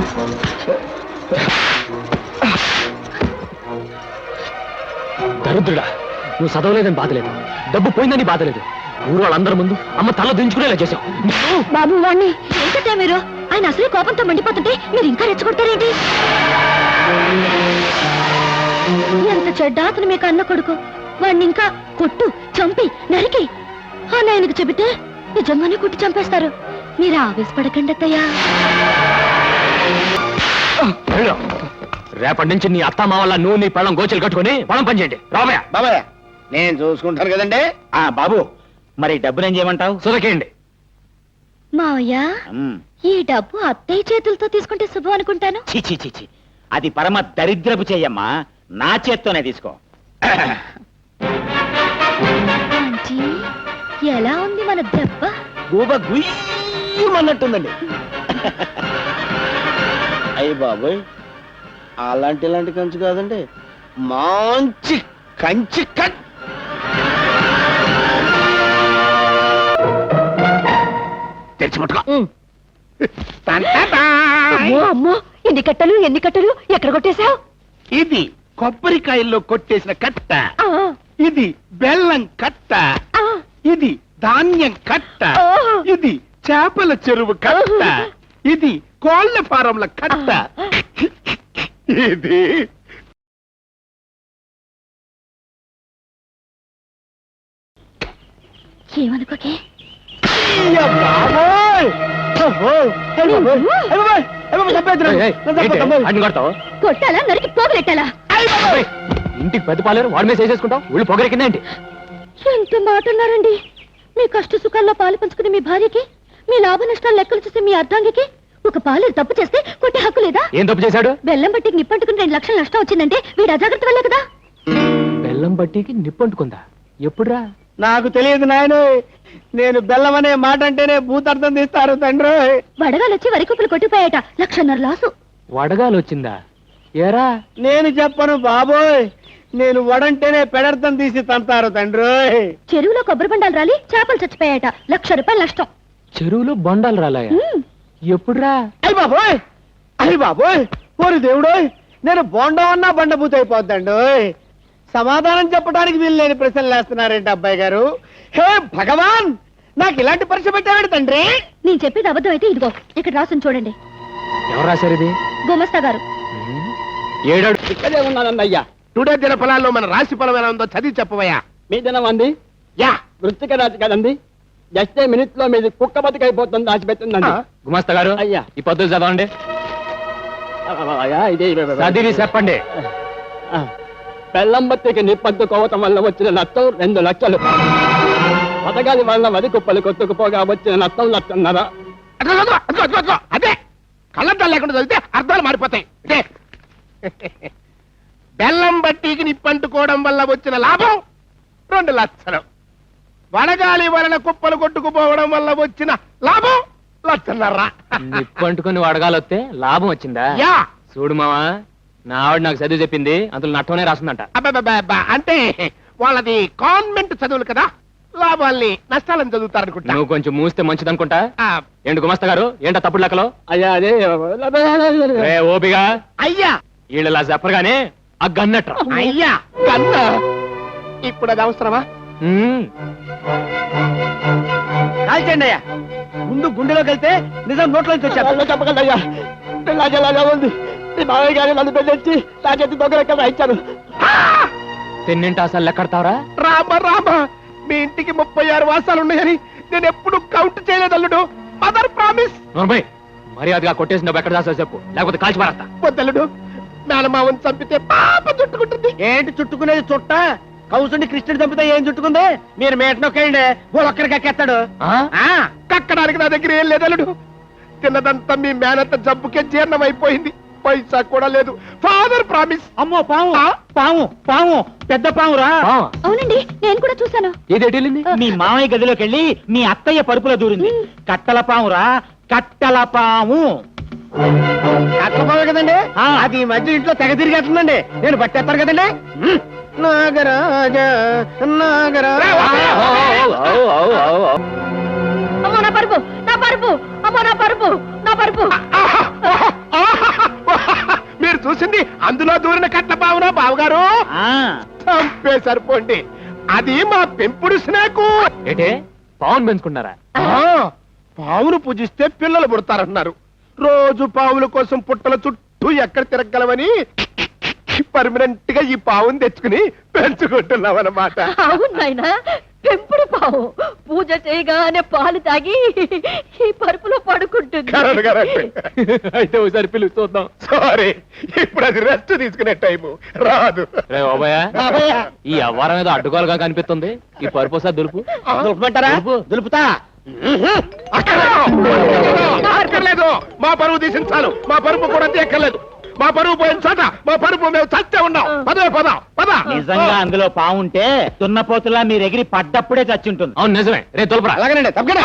దరిద్రుడా, నువ్వు చదవలేదని బాధలేదు, డబ్బు పోయిందని బాధలేదు, ఊరు వాళ్ళందరి ముందు అమ్మ తల దించుకునేలా చేశావు. బాబు వాణ్ణి ఏంటంటే మీరు ఆయన అసలే కోపంతో మండిపోతుంటే మీరు ఇంకా రెచ్చగొడతారేంటి? ఎంత చెడ్డ అతను మీకు అన్న కొడుకు. వాణ్ణి ఇంకా కొట్టు, చంపి, నరికి అని ఆయనకు చెబితే నిజంగానే కొట్టి చంపేస్తారు. మీరు ఆవేశపడకండి అత్తయ్యా. రేపటి నుంచి నీ అత్తమ్మ వల్ల నువ్వు నీ పళ్ళం గోచలు కట్టుకుని పొలం పనిచేయండి. రాబోయా బాబాయ్, నేను చూసుకుంటాను కదండి. బాబు, మరి డబ్బునేం చేయమంటావు? సురకేయండి. మావయ్య, ఈ డబ్బు అత్తయ్య చేతులతో తీసుకుంటే శుభం అనుకుంటాను. చిచి చిచి, అది పరమ దరిద్రపు చెయ్యమ్మా. నా చేత్తోనే తీసుకో. ఆంటీ, ఎలా ఉంది మన దెబ్బ? గూబ గుయ్యమన్నట్టుందండి. అయ్యి బాబోయ్, అలాంటి కంచు కాదండి, మంచి కంచి కట్. తెచ్చిముట్టుకో. అమ్మో, ఎన్ని కట్టలు ఎక్కడ కొట్టేశావు? ఇది కొబ్బరికాయల్లో కొట్టేసిన కట్ట, ఇది బెల్లం కట్ట, ఇది ధాన్యం కట్ట, ఇది చేపల చెరువు కట్ట, ఇది కోళ్ల ఫారంల కట్ట, ఇది ఏమనుకోకే. కొట్టాలా, నరికి పోగలెట్టాలా? ఇంటికి పెద్ద పాలేరు వాడి మీద చేసేసుకుంటావు, ఊళ్ళు పొగరెక్కిందేంటి? ఎంత మాట అన్నారండి. మీ కష్ట సుఖాల్లో పాలు పంచుకుని మీ భార్యకి, మీ లాభ నష్టాలు లెక్కలు చూసి మీ అర్ధాంగికి ఒక పాలేరు తప్పు చేస్తే కొట్టే హక్కు లేదా? ఏం తప్పు చేశాడు? బెల్లం బట్టికి నిప్పంటుకుని 2 లక్షలు నష్టం వచ్చిందంటే వీడు అజాగ్రత్త వల్లే కదా. బెల్లం బట్టికి నిప్పంటుకుందా? ఎప్పుడురా? నాకు తెలియదు నాయన. నేను బెల్లం అనే మాట అంటేనే భూతార్థం తీస్తారు తండ్రి. వడగాలు వచ్చి వరి కుప్పలు కొట్టిపోయాట, 1.5 లక్షల లాసు. వడగాలు వచ్చిందా? ఏరా? నేను చెప్పను బాబోయ్, నేను వడంటేనే పెడర్థం తీసి తంతారు తండ్రి. చెరువులో కొబ్బరి బండాలు రాలి చేపలు చచ్చిపోయాట, 1 లక్ష రూపాయలు నష్టం. చెరువులో బండాలు రాలాయా? ఎప్పుడురా? అయ్యి బాబోయ్, అయ్యి బాబోయ్, ఓరి దేవుడోయ్, నేను బోండం అన్నా బండబూత అయిపోద్దండి. సమాధానం చెప్పడానికి వీలు లేని ప్రశ్నలు వేస్తున్నారేంటి అబ్బాయి గారు? హే భగవాన్, నాకు ఇలాంటి పరీక్ష పెట్టాడు తండ్రి. నేను చెప్పేది అబద్ధం అయితే ఇదిగో ఇక్కడ రాసుని చూడండి. ఎవరు రాశారు ఇది? గుమస్తా గారు. ఏడాడు ఇక్కడే ఉన్నానండి అయ్యా. టుడే దిన ఫలాల్లో మన రాశి ఫలం ఎలా ఉందో చదివి చెప్పవయ్యా. మీ దినం అంది యా, వృత్తిక రాజు కదండి. జస్ట్ మినిట్ లో మీది కుక్క బతికైపోతుంది, దాచిపెట్టిందండి. గుమస్తా గారు, అయ్యా. ఈ పద్ధతి చదవండి. ఇది చదివి చెప్పండి. బెల్లం బత్తికి నిప్పంటుకోవటం వల్ల వచ్చిన నష్టం 2 లక్షలు. పథకాల వల్ల వరి కుప్పలు కొట్టుకుపోగా వచ్చిన నష్టం 1.5 లక్షలు. అదే కళ్ళద్దాలు లేకుండా చదివితే అర్థాలు మారిపోతాయి. బెల్లం బట్టికి నిప్పంటుకోవడం వల్ల వచ్చిన లాభం 2 లక్షలు. వడగాలి వలన కుప్పలు కొట్టుకుపోవడం వల్ల వచ్చిన లాభం 1.5 లక్షలు. నిప్పంటుకుని వడగాలు వస్తే లాభం వచ్చిందా? యా, చూడు మావా, నా ఆవిడ నాకు చదివి చెప్పింది, అందులో నట్టనే రాస్తుందంట. అబ్బా, అంటే వాళ్ళది కాన్వెంట్ చదువులు కదా, లాభాల్ని నష్టాలను చదువుతారనుకుంటా. నువ్వు కొంచెం మూస్తే మంచిదనుకుంటా. ఏంటి గుమస్తా గారు, ఏంటా తప్పుడు లెక్కలో? అయ్యా అదే ఓపిగా అయ్యా, వీళ్ళలా చెప్పరుగానే ఆ గన్నట్రా. అయ్యా కన్న ఇప్పుడు అది అవసరమా? కాల్చండి అయ్యా, ముందు గుండెలోకి వెళ్తే నిజం నోట్లోంచి వచ్చారు. చెప్పగలరు అయ్యా. పిల్లాజలాగా ఉంది. మీ మావయ్య గారు నన్ను పెళ్ళొచ్చి నా చేతి దొంగ రాయించారు. తిన్నింటి అసలు లెక్కడతావరా? రామ, మీ ఇంటికి 36 వాసాలు ఉన్నాయని నేను ఎప్పుడు కౌంట్ చేయలేదు అల్లుడు. Mother promise. మర్యాదగా కొట్టేసి నువ్వు ఎక్కడ దాసా చెప్పు, లేకపోతే కాల్చి మారస్తా. వద్దల్లుడు, మేనమావని చంపితే పాప చుట్టుకుంటుంది. ఏంటి చుట్టుకునేది? చుట్ట కౌసుని కృష్ణుడు చంపితే ఏం చుట్టుకుంది? మీరు మేటనొక్కండి, ఒక్కడికి ఎక్కేస్తాడు. కక్కడానికి నా దగ్గర ఏం లేదల్లుడు. తిన్నదంతా మీ మేనత్త జబ్బుకే జీర్ణం అయిపోయింది, పైసా కూడా లేదు. Father promise. అమ్మో పాము, పాము పాము, పెద్ద పామురా. అవునండి, నేను కూడా చూశాను. ఏదేటెళ్ళింది? మీ మామయ్య గదిలోకి వెళ్ళి మీ అత్తయ్య పరుపులో దూరింది. కట్టల పామురా, కట్టల పాము. కట్టపోవే కదండి, అది ఈ మధ్య ఇంట్లో తెగ తిరిగేస్తుందండి. నేను పట్టేస్తాను కదండి. నాగరాజ నాగరాజ. అమ్మో నా పరుపు, నా పరుపు, అమ్మో నా పరుపు, నా పరుపు. అందులో దూరిన కట్ల పావునా బావగారు చంపే సరిపోండి. అది మా పెంపుడు స్నేకు. ఏటే పావును పెంచుకున్నారా? పావును పూజిస్తే పిల్లలు పుడతారన్నారు. రోజు పావుల కోసం పుట్టల చుట్టూ ఎక్కడ తిరగలమని పర్మనెంట్ గా ఈ పావును తెచ్చుకుని పెంచుకుంటున్నాం అన్నమాట. అవును నాయనా, పెంపుడు పావు పూజ చేయగానే పాలు తాగి ఈ పరుపులో పడుకుంటుంది. అయితే ఒకసారి పిలుస్తూ చూద్దాం. సారీ, ఇప్పుడు అది రెస్ట్ తీసుకునే టైము రాదు. రే ఈ అవ్వారం ఏదో అడ్డుకోలుగా కనిపిస్తుంది. ఈ పరుపు ఒకసారి దులుపు. దులుపుమంటారా? దులుపుతా. అక్కర్లేదు, మా పరువు తీసించాలు. మా పరుపు కూడా తీయక్కర్లేదు. మా పరువు పోయిన చోట మా పరుపు మేము చచ్చే ఉన్నాం. పదవే పద. నిజంగా అందులో పావుంటే దున్నపోతులా మీరు ఎగిరి పడ్డప్పుడే చచ్చుంటుంది. అవును నిజమే. రే తులపరా. అలాగేనండి, తప్పకుండా.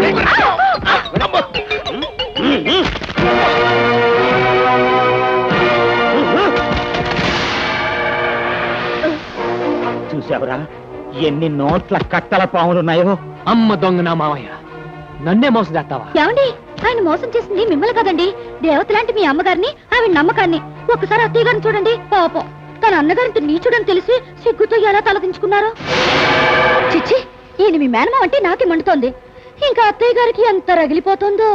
చూసావురా ఎన్ని నోట్ల కట్టల పావులున్నాయో. అమ్మ దొంగ నా మావయ్య, నన్నే మోసం చేస్తావా? ఏమండి, ఆయన మోసం చేసింది మిమ్మల్ని కదండి, దేవత లాంటి మీ అమ్మగారిని, ఆవిడ నమ్మకాన్ని. ఒక్కసారి అత్తయ్య గారిని చూడండి. పాపం, తన అన్నగారితో నీచుడని తెలిసి సిగ్గుతో ఎలా తలదించుకున్నారో. చిచ్చి, ఈయన మీ మేనమావ అంటే నాకే మండుతోంది. ఇంకా అత్తయ్య గారికి ఎంత రగిలిపోతుందో.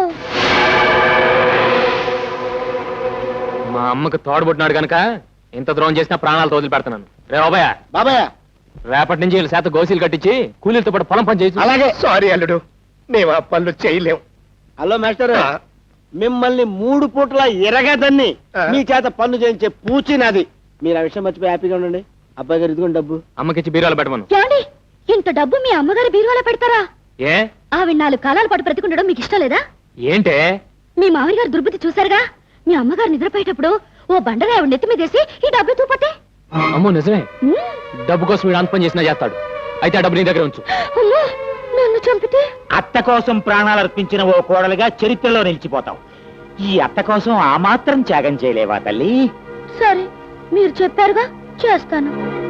మా అమ్మకు తోడబుట్టినాడు గనక ఇంత ద్రోహం చేసినా ప్రాణాలతో వదిలి పెడతాను. రే బాబాయ్, బాబాయ్, రేపటి నుంచి వీళ్ళ శాత గోసీలు కట్టించి కూలీలతో పాటు పొలం పని చేసి. అలాగే. సారీ అల్లుడు, మేము ఆ పనులు చేయలేం. హలో మాస్టర్, మిమ్మల్ని 3 పూట్ల ఎరగదని మీ చేత పన్ను చేయించే పూచి నాది. మీరు ఆ విషయం మర్చిపోయి హ్యాపీగా ఉండండి. అబ్బాయి గారు ఇదిగోండి డబ్బు. అమ్మకిచ్చి బీరాలు పెట్టమను. ఏమండి, ఇంత డబ్బు మీ అమ్మగారి బీరువాలో పెడతారా? ఏ ఆవిడ 4 కాలాల పాటు బ్రతికుండడం మీకు ఇష్టం లేదా? ఏంటే మీ మామయ్య గారు దుర్బుద్ధి చూశారుగా. మీ అమ్మగారు నిద్రపోయేటప్పుడు ఓ బండగా ఆవిడ నెత్తి మీదేసి ఈ డబ్బు తూపట్టే. అమ్మో నిజమే. డబ్బు కోసం వీడు అంత పని చేసినా చేస్తాడు. అయితే ఆ డబ్బు నీ దగ్గర ఉంచు. అమ్మో, నన్ను చంపితే? అత్త కోసం ప్రాణాలు అర్పించిన ఓ కోడలుగా చరిత్రలో నిలిచిపోతావు. ఈ అత్త కోసం ఆ మాత్రం త్యాగం చేయలేవా తల్లి? సరే, మీరు చెప్పారుగా, చేస్తాను.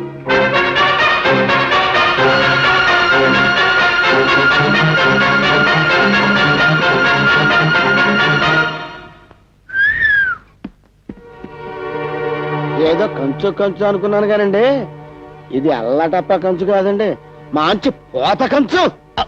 ఏదో కంచు అనుకున్నాను కానండి, ఇది అల్లటప్ప కంచు కాదండి, మంచి పోత కంచు.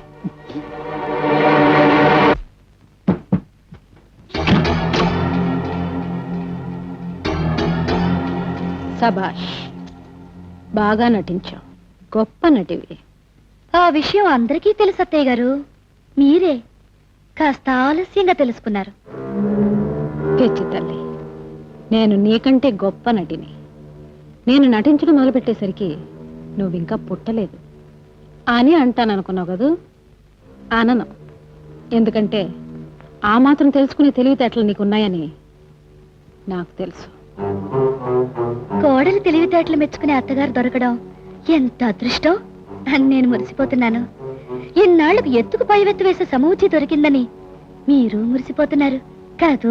సబాష్, బాగా నటించావు. గొప్ప నటివి. ఆ విషయం అందరికీ తెలుసు అత్తయ్య గారు. మీరే కాస్త ఆలస్యంగా తెలుసుకున్నారు. పిచ్చి తల్లి, నేను నీకంటే గొప్ప నటిని. నేను నటించడం మొదలుపెట్టేసరికి నువ్వింకా పుట్టలేదు అని అంటాననుకున్నావు కదూ? అనను. ఎందుకంటే ఆ మాత్రం తెలుసుకునే తెలివితేటలు నీకున్నాయని నాకు తెలుసు. కోడలు తెలివితేటలు మెచ్చుకునే అత్తగారు దొరకడం ఎంత అదృష్టం అని నేను మురిసిపోతున్నాను. ఇన్నాళ్లకు ఎత్తుకు పైవెత్తు వేసే సమూచి దొరికిందని మీరు మురిసిపోతున్నారు కాదు?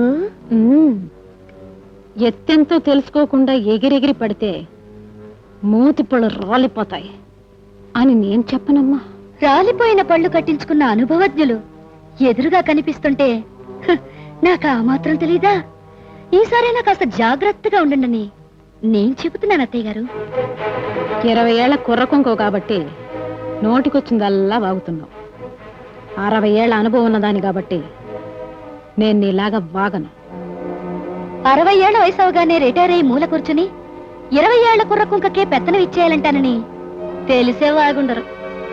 ఎత్తెంతో తెలుసుకోకుండా ఎగిరెగిరి పడితే మూతిపళ్ళు రాలిపోతాయి అని నేను చెప్పనమ్మా. రాలిపోయిన పళ్ళు కట్టించుకున్న అనుభవజ్ఞులు ఎదురుగా కనిపిస్తుంటే నాకు ఆ మాత్రం తెలీదా? ఈసారైనా కాస్త జాగ్రత్తగా ఉండండి నేను చెబుతున్నాను అత్తయ్య గారు. 20 ఏళ్ల కుర్రకొంకో కాబట్టి నోటికొచ్చిందల్లా వాగుతున్నావు. 60 ఏళ్ల అనుభవం ఉన్నదాని కాబట్టి నేను నీలాగా వాగను. 60 ఏళ్ల వయసు అవగానే రిటైర్ అయ్యి మూల కూర్చుని 20 ఏళ్ల కుర్రకుంకకే పెత్తనం ఇచ్చేయాలంటానని తెలిసే వాగుండరు.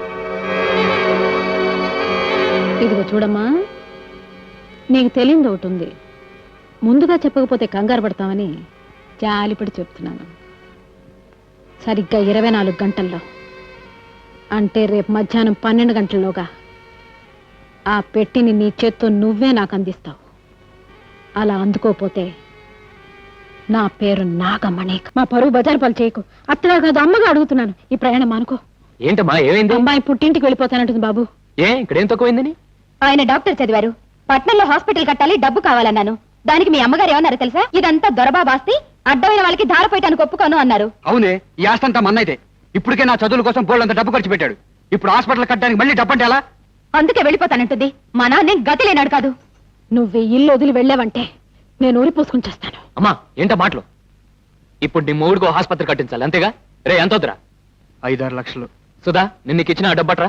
ఇదిగో చూడమ్మా, నీకు తెలియదు ఒకటి ఉంది. ముందుగా చెప్పకపోతే కంగారు పడతామని జాలిపడి చెప్తున్నాను. సరిగ్గా 24 గంటల్లో, అంటే రేపు మధ్యాహ్నం 12 గంటల్లోగా ఆ పెట్టిని నీ చేత్తో నువ్వే నాకు అందిస్తావు. అలా అందుకోపోతే నా పేరు నాగమణి. మా పరువు బజారు పాలు చేయకు. అత్తగా కాదు, అమ్మగా అడుగుతున్నాను. ఈ ప్రయాణం అనుకో. ఏంటమ్మా, ఏమైంది? అమ్మాయి పుట్టింటికి వెళ్ళిపోతానంటుంది బాబు. ఏ ఇక్కడేం తక్కువైందని? ఆయన డాక్టర్ చదివారు. పట్నంలో హాస్పిటల్ కట్టాలి, డబ్బు కావాలన్నాను. దానికి మీ అమ్మగారు ఏమన్నారు తెలుసా? ఇదంతా దొరబాబాస్తి, అడ్డమైన వాళ్ళకి ధారపోయటానికి ఒప్పుకోను అన్నారు. అవునే, ఈ ఆస్తంతా మన్నైతే. ఇప్పటికే నా చదువుల కోసం బోళ్ళంత డబ్బు ఖర్చు పెట్టాడు. ఇప్పుడు హాస్పిటల్ కట్టడానికి మళ్ళీ డబ్బు అంటే ఎలా? అందుకే వెళ్ళిపోతానంటుంది. మా నాన్నే గతి లేనాడు కాదు. నువ్వు ఈ ఇల్లు వదిలి వెళ్ళావంటే నేను ఊరి పూసుకుని చేస్తాను. అమ్మా ఏంటో మాటలు? ఇప్పుడు నీ మూడుకో ఆసుపత్రి కట్టించాలి అంతేగా రే ఎంత వద్దురా 5-6 లక్షలు. సుధా నిన్న నీకు ఇచ్చిన డబ్బట్రా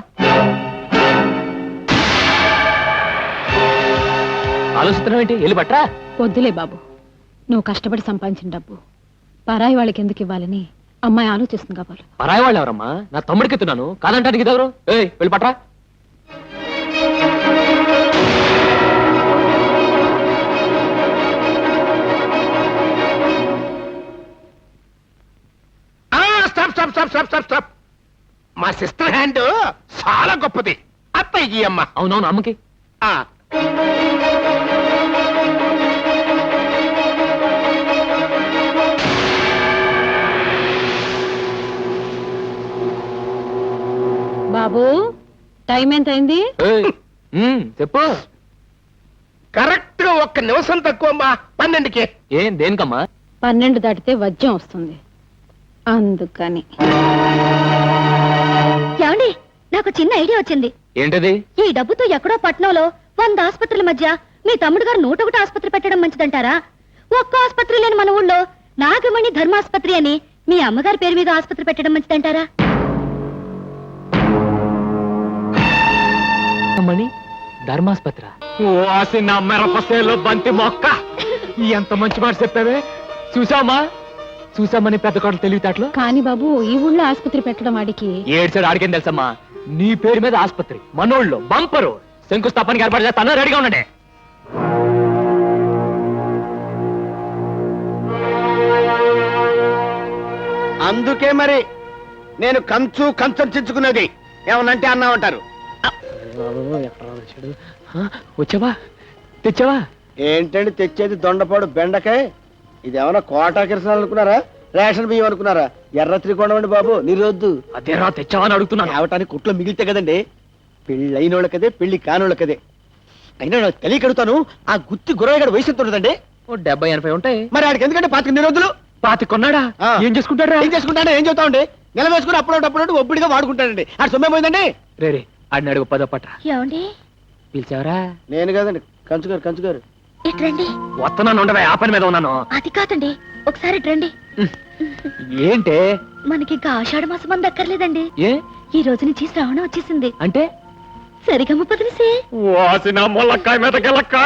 ఆలోచిస్తున్నావు ఏంటి వెళ్ళి పట్రా వద్దులే బాబు, నువ్వు కష్టపడి సంపాదించిన డబ్బు పరాయి వాళ్ళకి ఎందుకు ఇవ్వాలని అమ్మాయి ఆలోచిస్తుంది కాబట్టి. పరాయి వాళ్ళు ఎవరమ్మా? నా తమ్ముడికి ఎత్తున్నాను కాదంటానికి ఇదెవరు? ఏయ్ వెళ్ళి పట్రా. Stop stop stop stop stop stop మా సిస్టర్ హ్యాండ్ చాలా గొప్పది. అత్తయ్యకి అమ్మ. అవునవును అమ్మకి. ఆ. బాబు టైం ఎంత అయింది? ఏయ్, చెప్పు. కరెక్ట్ గా 1 నిమిషం తక్కువ అమ్మా. 12కి. ఏం దేనికమ్మా? 12 దాటితే వజ్యం వస్తుంది అందుకని. ఏమండి నాకు చిన్న ఐడియా వచ్చింది. ఏంటది? ఈ డబ్బుతో ఎక్కడో పట్నంలో 100 ఆసుపత్రుల మధ్య మీ తమ్ముడు గారు 101 ఆసుపత్రి పెట్టడం మంచిదంటారా? ఒక్క ఆసుపత్రి లేని మన ఊళ్ళో నాగమణి ధర్మాసుపత్రి అని మీ అమ్మగారి పేరు మీద ఆసుపత్రి పెట్టడం మంచిదంటారా? మణి ధర్మాస్పత్ర. ఓ ఆసి నా మెరపసేలో బంతి మొక్క. ఎంత మంచి మాట చెప్పావే. చూసామా చూసామని పెద్ద కోటలు తెలివితేటలు. కానీ బాబు ఈ ఊళ్ళో ఆసుపత్రి పెట్టడం వాడికి ఏడ్చాడు ఆడికేం తెలుసమ్మా. నీ పేరు మీద ఆసుపత్రి మనోళ్ళు బంపరు శంకుస్థాపనకి ఏర్పాటు చేస్తాను రెడీగా ఉండండి. అందుకే మరి నేను కంచం చించుకున్నది. ఏమనంటే అన్నా ఉంటారు. వచ్చావా తెచ్చావా? ఏంటండి తెచ్చేది దొండపాడు బెండకాయ? ఇది ఏమైనా కోటా కిరసనాలు అనుకున్నారా? రేషన్ బియ్యం అనుకున్నారా? ఎర్ర త్రికోణం అండి బాబు, నీరొద్దు. అదేరా తెచ్చావా అని అడుగుతున్నాను. తేవటానికి కుట్లో మిగిలితే కదండి. పెళ్లి అయినోళ్ళకదే, పెళ్లి కానోళ్ళకదే. అయినా నాకు తెలియకడుగుతాను, ఆ గుత్తి గురవగాడు వయసు ఎంత ఉంటుందండి? ఓ 70-80 ఉంటాయి. మరి ఆడికి ఎందుకంటే 25 నిరోధులు. 25 కొన్నాడా? ఆ. ఏం చేసుకుంటాడా? ఏం చేసుకుంటాడో ఏం చెబుతామండి? నెల వేసుకుని అప్పుడప్పుడు ఒబ్బడిగా వాడుకుంటాడండి. ఆడు సొమ్మేమైందండి? రే రే ఆడిని అడుగు పదో పట్రా. ఏమండి పిలిచావరా? నేను కదండి, కంచుగారు. ఇట్రండి. వస్తున్నాను ఉండవే, ఆ పని మీద ఉన్నాను. అది కాదండి ఒకసారి రండి. ఏంటే? మనకి ఇంకా ఆషాఢ మాసం అంత అక్కర్లేదండి. ఏ ఈ రోజు నుంచి శ్రావణం వచ్చేసింది. అంటే సరిగమ్మ పదిలిసే. వాసిన ములక్కాయ మీద గెలక్కాయ